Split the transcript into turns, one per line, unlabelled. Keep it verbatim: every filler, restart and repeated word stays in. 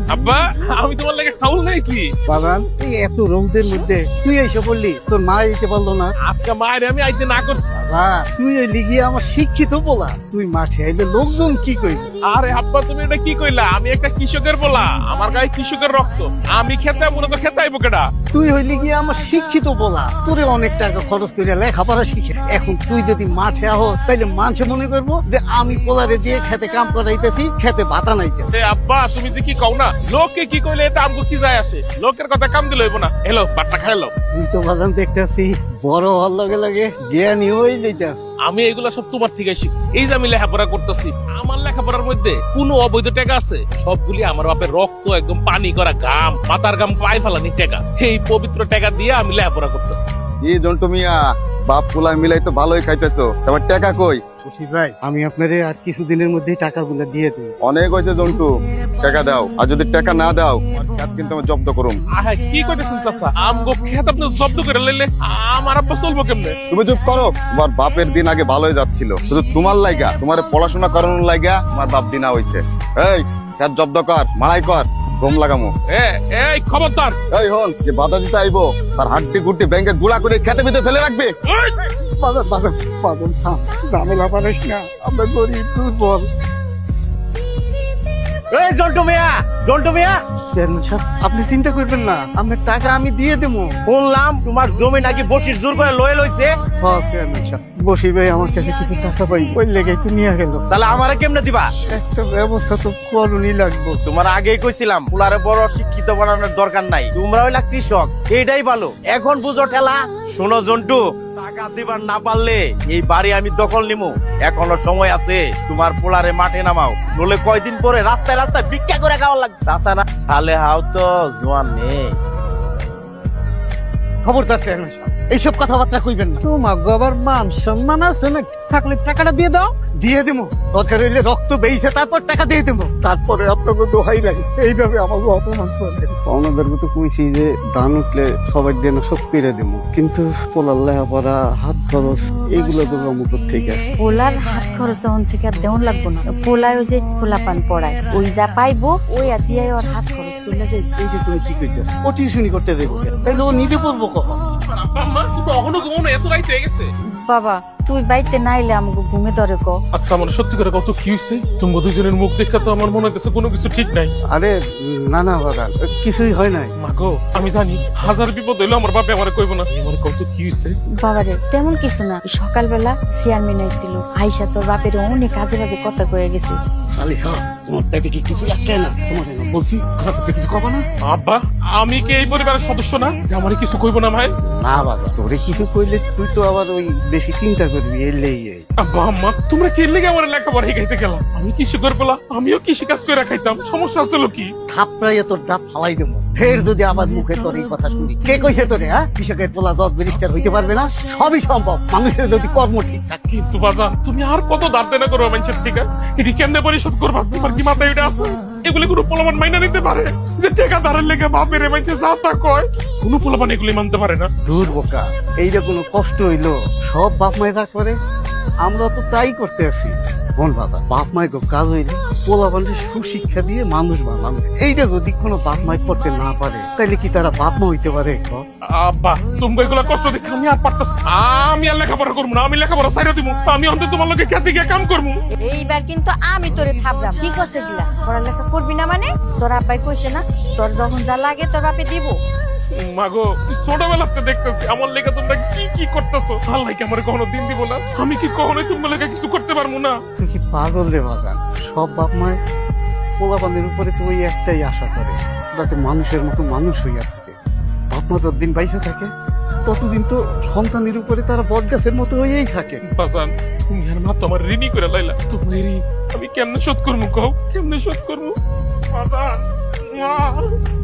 আব্বা আমি তোমার লাগে খাউল নাইছি।
বাগান এই এত রোদের মধ্যে তুই এসে বললি তোর মা দিতে পারলো না।
আজকে মায়ের আমি আইতে না করছি।
বাবা তুই ওই লিগিয়ে আমার শিক্ষিত বলা, তুই মাঠে আইলে লোকজন কি কইবে?
আরে আব্বা তুমি এটা কি কইলা? আমি একটা কৃষকের বলা, আমার গায়ে কৃষকের রক্ত, আমি খেতে মূলত খেতে আইবো কেডা?
তুই হইলি গিয়ে আমার শিক্ষিত বলা, তোরে অনেক টাকা খরচ করে লেখাপড়া শিখে এখন তুই যদি মাঠে আহ তাইলে মানুষে মনে করবো যে আমি পোলারে দিয়ে খেতে কাম করাইতেছি, খেতে ভাতা নাইতেছি।
এ আব্বা তুমি যে কি কও না, লোকে কি কইলে এটা আমগো কি যায় আসে? লোকের কথা কাম দিলে হইব না। এলো বাট্টা খাইলো।
তুই তো বাগান দেখতেছি বড় হওয়ার লগে লগে জ্ঞানী হয়ে যাইতেছ।
আমি এগুলা সব তোমার থেকে শিখছি। এই যে আমি লেখাপড়া করতেছি, আমার লেখাপড়ার মধ্যে কোনো অবৈধ টাকা আছে? সবগুলি আমার বাপের রক্ত, একদম পানি করা ঘাম, মাথার ঘাম পায়ে ফেলানি টাকা। এই পবিত্র টাকা দিয়ে আমি লেখাপড়া করতেছি।
এই জন্টু মিয়া বাপ পোলা মিলাই তো ভালোই খাইতেছো, তোমার টাকা কই?
খুশি ভাই আমি আপনারে আর কিছুদিনের মধ্যেই টাকাগুলো দিয়ে দিই।
অনেক হয়েছে জন্টু, টাকা দাও। আর যদি টাকা না দাও কাজ কিন্তু আমি জব্দ করুম।
আহা কি কইতেছেন চাচা? আমগো খেত আপনি জব্দ করে লইলে আমার আব্বা চলবো কেমনে?
তুমি চুপ করো। তোমার বাপের দিন আগে ভালোই যাচ্ছিল, শুধু তোমার লাইগা, তোমার পড়াশোনা করানোর লাইগা তোমার বাপ দিনা হইছে। এই খেত জব্দ কর, মারাই কর, ঘুম লাগামো।
এ এই খবরদার।
এই হন যে বাধা দিতে আইবো তার হাড্ডি গুড্ডি ব্যাংকে গুড়া করে খেতে ভিতরে ফেলে রাখবে।
এই!
বাগান বাগান বাগান থাম, ঝামেলা পারিস না, আমরা গরিব দুর্বল।
এই জন্টু মিয়া, জন্টু মিয়া,
চেয়ারম্যান সাহেব আপনি চিন্তা করবেন না, আপনার টাকা আমি দিয়ে দেবো।
শুনলাম তোমার জমি নাকি বসির জোর করে লয়ে লইছে।
হ্যাঁ চেয়ারম্যান সাহেব, বসির ভাই আমার কাছে কিছু টাকা পাই, ওই লেগে তো নিয়ে গেল।
তাহলে আমারে কেমনে দিবা?
একটা ব্যবস্থা তো করুনই লাগবো।
তোমার আগেই কইছিলাম পুলারে বড় শিক্ষিত বানানোর দরকার নাই, তোমরা হইলা কৃষক, এইটাই ভালো। এখন বুঝো ঠেলা। শোনো জন্টু, টাকা দিবার না পারলে এই বাড়ি আমি দখল নিমু। এখনো সময় আছে, তোমার পোলারে মাঠে নামাও, নলে কয়দিন পরে রাস্তায় রাস্তায় ভিক্ষা করে খাওয়া লাগবে। তাছাড়া সালে হাও তো জোয়ান নেই।
খবরদার চেয়ারম্যান সাহেব এইসব কথাবার্তা কইবেন না।
তোমার আবার মান সম্মান আছে না? থাকলে টাকাটা দিয়ে দাও।
দিয়ে দেবো, দরকার হইলে রক্ত বেইছে তারপর টাকা দিয়ে দেবো। তারপরে আপনাকে দোহাই লাগে এইভাবে আমাকে অপমান করবেন। ওনাদেরকে তো কইছি যে ধান উঠলে সবাই দিয়ে না সব পেরে দেবো, কিন্তু পোলার লেখাপড়া, হাত খরচ এইগুলো তো মুখর থেকে।
পোলার হাত খরচ অন থেকে আর দেওয়ান লাগবো না। পোলায় ওই যে পোলা পান পড়ায়, ওই যা পাইবো ওই আর দিয়ে ওর হাত খরচ চলে যায়।
এই যে তুমি কি কইতেছ, ও টিউশনি করতে দেবো তাইলে ও নিজে পড়বো কখন?
আব্বা আম্মা তুমি এখনো ঘুমানো? এত রাইত হয়ে গেছে।
বাবা তুই বাইতে নাইলে আমাকে ঘুমে ধরে ক।
আচ্ছা আমার সত্যি করে কত কি হয়েছে? তুমি দুজনের মুখ দেখে তো আমার মনে হইতেছে কোনো কিছু ঠিক নাই।
আরে না না বাগান, কিছুই হয় নাই।
মাগো আমি জানি হাজার বিপদ হইলো আমার বাপে আমার কইব না। আমার কত কি হয়েছে?
বাবারে তেমন কিছু না, সকালবেলা চেয়ারম্যান আইছিল, আইসা তোর বাপের অনেক কাজে বাজে কথা কয়ে গেছে।
সালিহা তোমার পেটে কি কিছু একটা না? তোমার বলছি খারাপ করতে কিছু কবা না?
আব্বা আমি কি এই পরিবারের সদস্য না যে আমার কিছু কইব না ভাই?
না বাবা, তোরে কিছু কইলে তুই তো আবার ওই বেশি চিন্তা করবি। এলেই এই
আব্বা আম্মা তোমরা কি লেগে আমার লেখাপড়া শিখাইতে গেলাম? আমি কৃষকের বলা, আমিও কৃষি কাজ করে খাইতাম, সমস্যা ছিল কি?
থাপড়াইয়া তোর দাঁত ফালাই দেবো। ফের যদি আবার মুখে তোর এই কথা শুনি, কে কইছে তোরে? হ্যাঁ, কৃষকের পোলা দশ ব্যারিস্টার হইতে পারবে না? সবই সম্ভব মানুষের যদি কর্ম ঠিক থাকে।
কিন্তু বাজান তুমি আর কত দাঁড় দেনা করো মানুষের ঠিকা? এটি কেমনে পরিশোধ করবা? তোমার কি মাথায় এটা আছে? এগুলি কোনো পোলাপান মাইনা নিতে পারে যে টাকা ধারের লেগে বাপের মানুষে যা তা কয়? কোনো পোলাপান এগুলি মানতে পারে না।
দূর বোকা, এইটা কোনো কষ্ট হইলো? সব বাপ মায় যা করে আমরা তো তাই করতে আছি। বল বাবা, বাপ মায়ের কাজ হইলে পোলা মানুষের সুশিক্ষা দিয়ে মানুষ বানানো। এইটা যদি কোনো বাপ মায় করতে না পারে তাইলে কি তারা বাপ মা হইতে পারে?
আব্বা তুমি এগুলা কষ্ট দেখে আমি আর পারতাছি না। আমি আর লেখাপড়া করবো না, আমি লেখাপড়া ছাইড়া দিব। আমি অন্তত তোমার লগে খেতে গিয়ে কাম করবো।
এইবার কিন্তু আমি তোরে থাপলাম। কি করছে দিলা? পড়ালেখা করবি না মানে? তোর আব্বাই কইছে না তোর যখন যা লাগে তোর বাপে দিব।
মাগো ছোটবেলাতে দেখতেছি আমার লেগে তোমরা কি কি করতেছো। আল্লাহ কি আমার কখনো দিন দিব না? আমি কি কখনোই তোমার লেগে কিছু করতে পারবো না?
তুই কি পাগল রে বাবা? সব বাপ মায় পোলাপানের উপরে তো ওই একটাই আশা করে, যাতে মানুষের মতো মানুষ হইয়া থাকে। বাপ মা যতদিন বাইসে থাকে ততদিন তো সন্তানের উপরে তারা বট গাছের মতো হয়েই থাকে।
বাজান তুমি আর মা তো আমার ঋণই করে লাইলা। তোমার ঋণ আমি কেমনে শোধ করবো? কও কেমনে শোধ করবো? বাজান মা